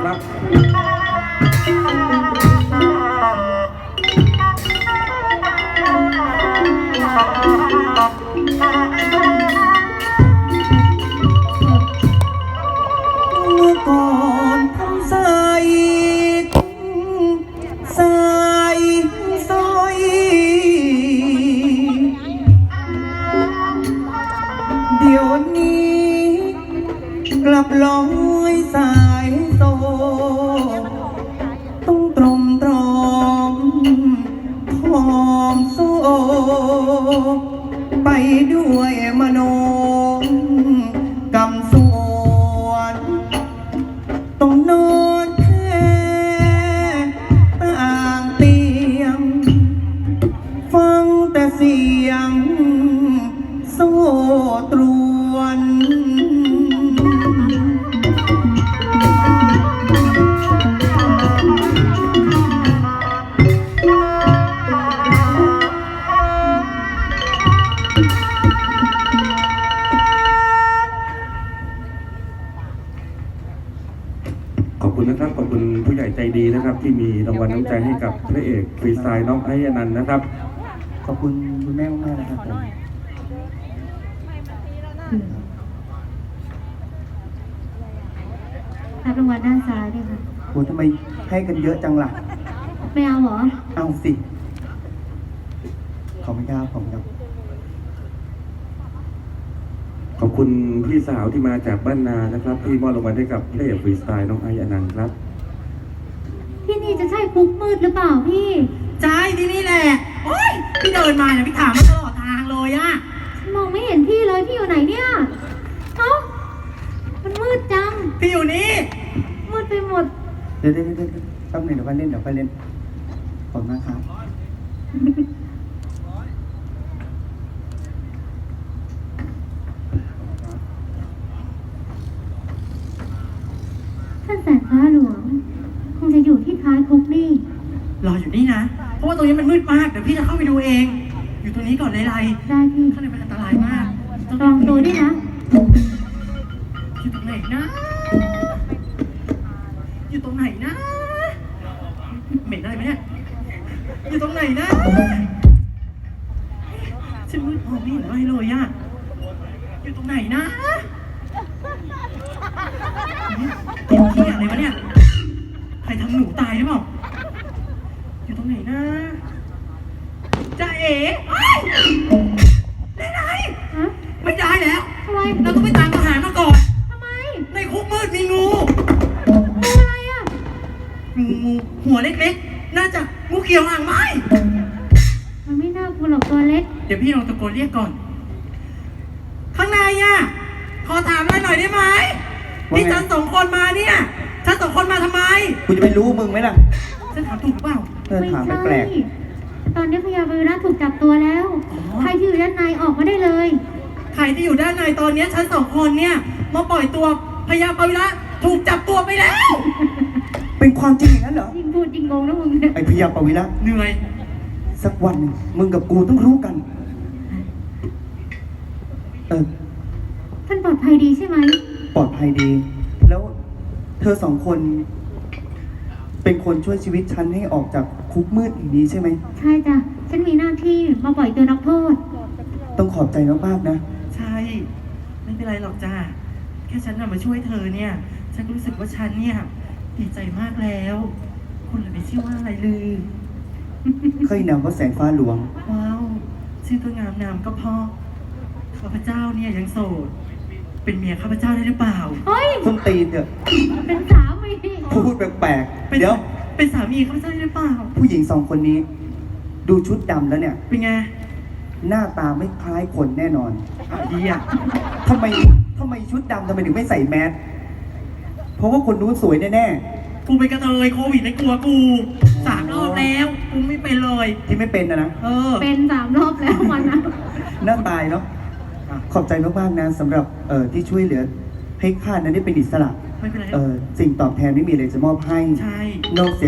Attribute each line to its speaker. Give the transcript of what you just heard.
Speaker 1: ครับ
Speaker 2: เมื่อก่อนทำใส่สายสร้อยเดี๋ยวนี้กลับลอยสายโซต้องตรมตรอมทอมโซไปด้วยมโนกำสวนต้องนอนแค่ต่างเตียงฟังแต่เสียงโซ่ตรวน
Speaker 1: ขอบคุณนะครับขอบคุณผู้ใหญ่ใจดีนะครับ ที่มีรางวัลน้ำใจให้กับพระเอกฟรีสไตล์น้องไอ้อนันต์นะครับ
Speaker 2: ขอบคุณคุณแม่มากๆนะครับผม
Speaker 3: รับรางวัลด้านซ้ายด้วยค่ะ
Speaker 2: โหทำไมให้กันเยอะจังล่ะ
Speaker 3: ไม่เอาเหรอ
Speaker 2: เอาสิขอบคุณครับขอบคุณครับ
Speaker 1: ขอบคุณพี่สาวที่มาจากบ้านนานะครับ ที่มอบรางวัลให้กับพระเอกฟรีสไตล์น้องไอ้อนันต์ครับ
Speaker 3: ที่นี่จะใช่คุกมืดหรือเปล่าพี่
Speaker 4: ใช่ที่นี่แหละ โอ้ยพี่เดินมาเนี่ยพี่ถามมาตลอดทางเลยอะ
Speaker 3: ฉันมองไม่เห็นพี่เลย พี่อยู่ไหนเนี่ยเอ้ามันมืดจัง
Speaker 4: พี่อยู่นี่
Speaker 3: มืดไปหมด
Speaker 2: เดี๋ยวแป๊บหนึงเดี๋ยวไปเล่นขอบคุณมากครับ
Speaker 3: ท่านแสงฟ้าหลวง คงจะอยู่ที่ท้ายคุกนี่
Speaker 4: รออยู่นี่นะ เพราะว่าตรงนี้มันมืดมาก เดี๋ยวพี่จะเข้าไปดูเอง อยู่ตรงนี้ก่อนเลยไร
Speaker 3: ได้พี่
Speaker 4: ข้างในมันอันตรายมาก
Speaker 3: ลองดูด้วยนะ
Speaker 4: อยู่ตรงไหนนะ อยู่ตรงไหนนะ เหม็นอะไรไหมเนี่ย อยู่ตรงไหนนะฉันมืดมองไม่เห็นอะไรเลยอะอยู่ตรงไหนนะกินขี้อะไรวะเนี่ย ใครทำหนูตายหรือเปล่า อยู่ตรงไหนนะจ่าเอ๋เฮ้ยไหน
Speaker 3: ฮะ
Speaker 4: ไม่ได้แล้ว
Speaker 3: ทำไม
Speaker 4: เราต้องไปตามทหารมาก่อน
Speaker 3: ทำไม
Speaker 4: ในคุกมืดมีงู
Speaker 3: เป็นอะไรอ่ะ
Speaker 4: งูหัวเล็กๆ น่าจะงูเขียวหางไหม
Speaker 3: มันไม่น่ากลัวหรอกตัวเล็ก
Speaker 4: เดี๋ยวพี่ลองตะโกนเรียกก่อน ข้างในอ่ะ ขอถามอะไรหน่อยได้ไหม
Speaker 2: ว่าไง
Speaker 4: นี่ฉันสองคนมาเนี่ยฉันสองคนมาทำไม
Speaker 2: กูจะไปรู้มึงไหมล่ะ
Speaker 4: ฉันถามถูกหรือเปล่า
Speaker 3: ไม่
Speaker 2: ถาม
Speaker 3: ใช่
Speaker 2: แปลก
Speaker 3: ตอนนี้พญาบริรัตถูกจับตัวแล้ว
Speaker 4: อ๋อ
Speaker 3: ใครที่อยู่ด้านในออกมาได้เลย
Speaker 4: ใครที่อยู่ด้านในตอนเนี้ยฉันสองคนเนี่ยมาปล่อยตัวพญาปวิระถูกจับตัวไปแล้ว
Speaker 2: ๆเป็นความจริงอย่างนั้นเหรอ
Speaker 3: ยิงพูดยิงงงนะมึงเนี่ย
Speaker 2: ไอ้พยาปวิระ
Speaker 4: เหนื่อย
Speaker 2: สักวันหนึ่งมึงกับกูต้องรู้กัน
Speaker 3: ท่านปลอดภัยดีใช่ไหม
Speaker 2: ปลอดภัยดี แล้วเธอสองคน เป็นคนช่วยชีวิตฉันให้ออกจากคุกมืดอย่างนี้ใช่ไหม
Speaker 3: ใช่จ้ะ ฉันมีหน้าที่มาปล่อยตัวนักโทษ
Speaker 2: ต้องขอบใจมากๆนะ
Speaker 4: ใช่ ไม่เป็นไรหรอกจ้าแค่ฉันน่ะมาช่วยเธอเนี่ย ฉันรู้สึกว่าฉันเนี่ยดีใจมากแล้ว คนเลยไม่ชื่อว่าอะไรเลย
Speaker 2: เคยนำว่าแสงฟ้าหลวง
Speaker 4: ว้าว ชื่อก็งามนามก็เพอข้าพเจ้าเนี่ยยังโสด เป็นเมียข้าพเจ้าได้หรือเปล่า
Speaker 3: เฮ้ย
Speaker 2: ส้นตีนเถอะ
Speaker 3: เป็นสามี
Speaker 2: พูดแปลก
Speaker 4: เป็น
Speaker 2: ๆ เดี๋ยว
Speaker 4: เป็นสามีข้าพเจ้าได้หรือเปล่า
Speaker 2: ผู้หญิงสองคนนี้ ดูชุดดำแล้วเนี่ย
Speaker 4: เป็นไง
Speaker 2: หน้าตาไม่คล้ายคนแน่นอน
Speaker 4: ดีอ่ะ
Speaker 2: ทำไมชุดดำทำไมถึงไม่ใส่แมส เพราะว่าคนนู้นสวยแน่
Speaker 4: กูเป็นกระเทยโควิดไม่กลัวกู3 รอบแล้ว กูไม่เป็นเลย
Speaker 2: ๆ ที่ไม่เป็นนะ
Speaker 4: เออ
Speaker 3: เป็น3 รอบแล้ววันนะ
Speaker 2: น่าตายเนาะ ขอบใจมากๆนะสำหรับที่ช่วยเหลือให้ข้านั้นได้เป็นอิสระ
Speaker 4: ไม่เป็นไร
Speaker 2: สิ่งตอบแทนไม่มีอะไรจะมอบให้
Speaker 4: ใช่
Speaker 2: นอกเสีย